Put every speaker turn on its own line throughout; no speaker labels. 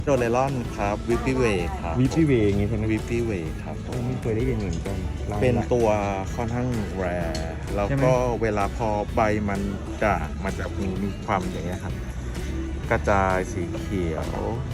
โดเรลอนครับวิปปี้เวย์ครับ
วิปปี้เวย์อย่างงี้ใช่ไหม
วิปปี้เวย์ครับ
โอ้ไม่เคยได้ยินเหมือนกันร้า
เป็น
ละ
ตัวค่อนข้างแรร์แล้ว
ใช่ไหม
ก็เวลาพอใบมันจะมีความอย่างเงี้ยครับ กระจายสีเขียว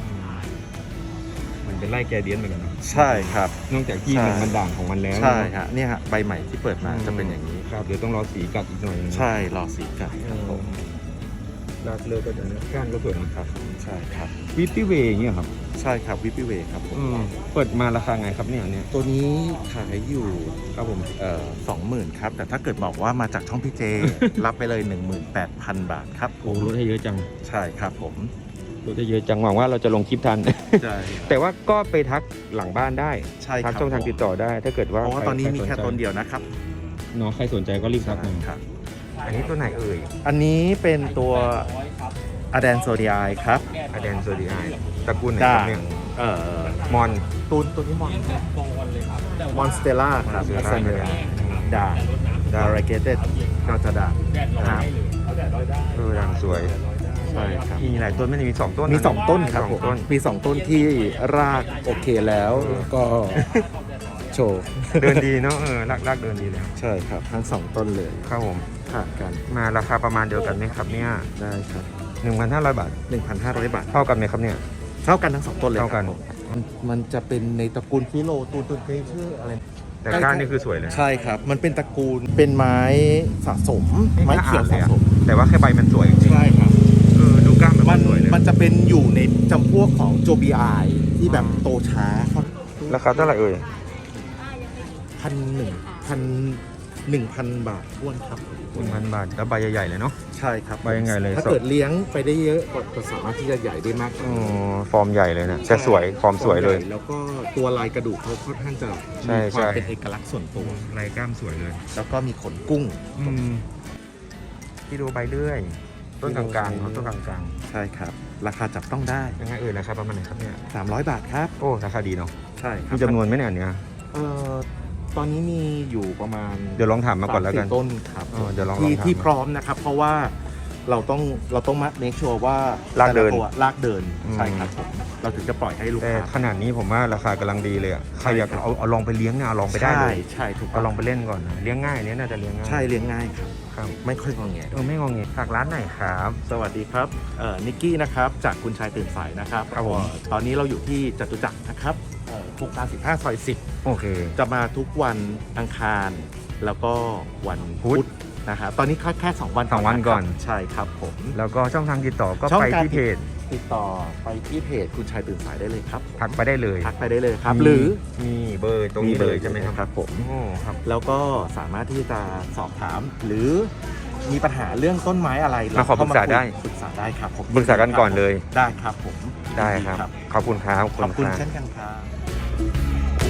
มันเป็นไล่แกเดียนเหมือนกันนะ
ใช่ครับ
นอกจากที่
ใช่
มันด่างของมันแล้ว
ใช่ฮะเนี่ยฮะใบใหม่ที่เปิดมาจะเป็นอย่างนี้
ครับเดี๋ยวต้องรอสีกัดอีกหน่อยนึง
ใช่รอสีกัดครับผม
รากเลือก็จะก้านก็สวยนะครับ
ใช่ครับ
วิปปี้เวย์อย่างเงี้ยครับ
ใช่ครับวิปปี้เวย์ครับผม
เปิดมาราคาไงครับเนี่ยอันเนี่ย
ตัวนี้ขายอยู่
ครับผม
20,000ครับแต่ถ้าเกิดบอกว่ามาจากช่องพี่เจ รับไปเลย 18,000 บาทครับ
โอ้ลดให้เยอะจัง
ใช่ครับผม
ลดให้เยอะจังหวังว่าเราจะลงคลิปทัน
ใช่
แต่ว่าก็ไปทักหลังบ้านได้
ใช่ค
ทั
รั
ก
บ
ช่องทางติดต่อได้ ถ้าเกิดว่า
เพราะว่าตอนนี้มีแค่
ใรส
ต้นเดียวนะครับ
เนาะใครสนใจก็รีบทักมา
ครับ
อันนี้ตัวไหนเอ่ย
อันนี้เป็นตัวอ d แดนโซดีไอครับ
อเดนโซดีไอตระกูลไหนค
ด่า
รับ
ง
เนี่ย
เอ่อ
มอน
ตัวนี้มอนสเตล่าครับ
Monstera
ด่างดาราเกเต็ดก็จะด่างครับ
ด่างสวย
ใช่ครับ
มีหลายต้นไม่ได้มี2ต้น
มี 2 ต้นครับ
สอง
ผม
ต้น
มี 2 ต้นที่รากโอเคแล้วก็โชว์
เดินดีเนาะรากเดินดีเลย
ใช่ครับทั้ง 2 ต้นเลย
ครับผม
ผ่านกัน
มาราคาประมาณเดียวกันไหมครับเนี่ย
ได้ครับ
1,500 บาท
1,500 บาท
เท่ากันไหมครับเนี่ย
เท่ากันทั้ง 2 ต้นเลย
เท่ากัน
ครับผมมันจะเป็นในตระกูลฟิโลตูนเคยชื่ออะไร
แต่ก้านนี่คือสวยเลย
ใช่ครับ มันเป็นตระกูลเป็นไม้สะสม ไม้เขียวสะสม
แต่ว่าแค่ใบมันสวยจริง
ใช่ครับ
ดูก้านมัน
มัน
สวยเลย
มันจะเป็นอยู่ในจำพวกของโจบีไอที่แบบโตช้า
ราคาเท่าไหร่เอ่ย
1,000 บาทท้วนครับ
1,000 บาทแล้วใบใหญ่ๆเลยเนาะ
ใช่ครับ
ใบยังไงเลย
ถ้าเกิดเลี้ยงไปได้เยอะก็สามารถที่จะใหญ่ได้มาก
อ๋อฟอร์มใหญ่เลยนะแต่สวยฟอร์มสวยเลย
แล้วก็ตัวลายกระดูกเขาค่อนข้างจะ
ใช่
มีความ
ใช่
เป็นเอกลักษณ์ส่วนตัว
ลายกล้ามสวยเลย
แล้วก็มีขนกุ้ง
ที่ดูใบเลื่อย ต้นกลางๆเขาต้นกลาง
ใช่ครับ ราคาจับต้องได้
ๆยังไงเอ่ยราคาประมาณไหนครับเนี่ย
300 บาทครับ
โอ้ราคาดีเนาะ
ใช่ครั
มีจำนวนไหมเนี่ยอันเนี้ย
เอ่อตอนนี้มีอยู่ประมาณ
เดี๋ยวลองถามมาก่อนแล้วกัน
3-4ต้นครับ
เดี๋ยวลอง
ที่
ถาม
ที่พร้อมนะครับ เพราะว่าเราต้องมาเมคชัวร์ว่าร
ากเดิน
แต่ละตัวรากเดิน
อืม
ใช่ครับผมเราถึงจะปล่อยให้ลูก
แต่
ค้า
ขนาดนี้ผมว่าราคากำลังดีเลยอ่ะใครอยาก
ใช่ครับ
เอาลองไปเลี้ยงเนี่ยเอาลองไปได้เลย
ใช่ถูก
เอาลองไปเล่นก่อนนะเลี้ยงง่ายอันเนี้ยน่าจะเลี้ยงง่าย
ใช่เลี้ยงง่ายครับ
ครับ
ไม่ค่อยงอแง
ไม่งงเงี้ยฝากร้านไหนครับ
สวัสดีครับนิกกี้นะครับจากคุณชายตื่นสายนะครับ
ครับผม
ตอนนี้เราอยู่ที่จตุจักรนะครับโครงการ15ซอย
โอเค
10 จะมาทุกวันอังคาร แล้วก็วันพุธนะครับตอนนี้แค่2 วัน
สองวันก่อน
ะครับใช่ครับผม
แล้วก็ช่องทางติดต่อก็
ช่อง
ไป
การ
ที่เพจ
ติดต่อไปที่เพจคุณชายตื่นสายได้เลยครับผม
ทักไปได้เลย
ทักไปได้เลยครับ
มี
หรือ
มีเบอร์ตรงนี้เลยใช่ไหมครับ
ครับผม
โอ้ครับ
แล้วก็สามารถที่จะสอบถามหรือมีปัญหาเรื่องต้นไม้อะไร
มาขอปรึกษาได้
ปรึกษาได้ครับผม
ปรึกษากันก่อนเลย
ได้ครับผม
ได้ครับ ขอบคุณครับ
ขอบคุณ
รับ
เช่นกันครับ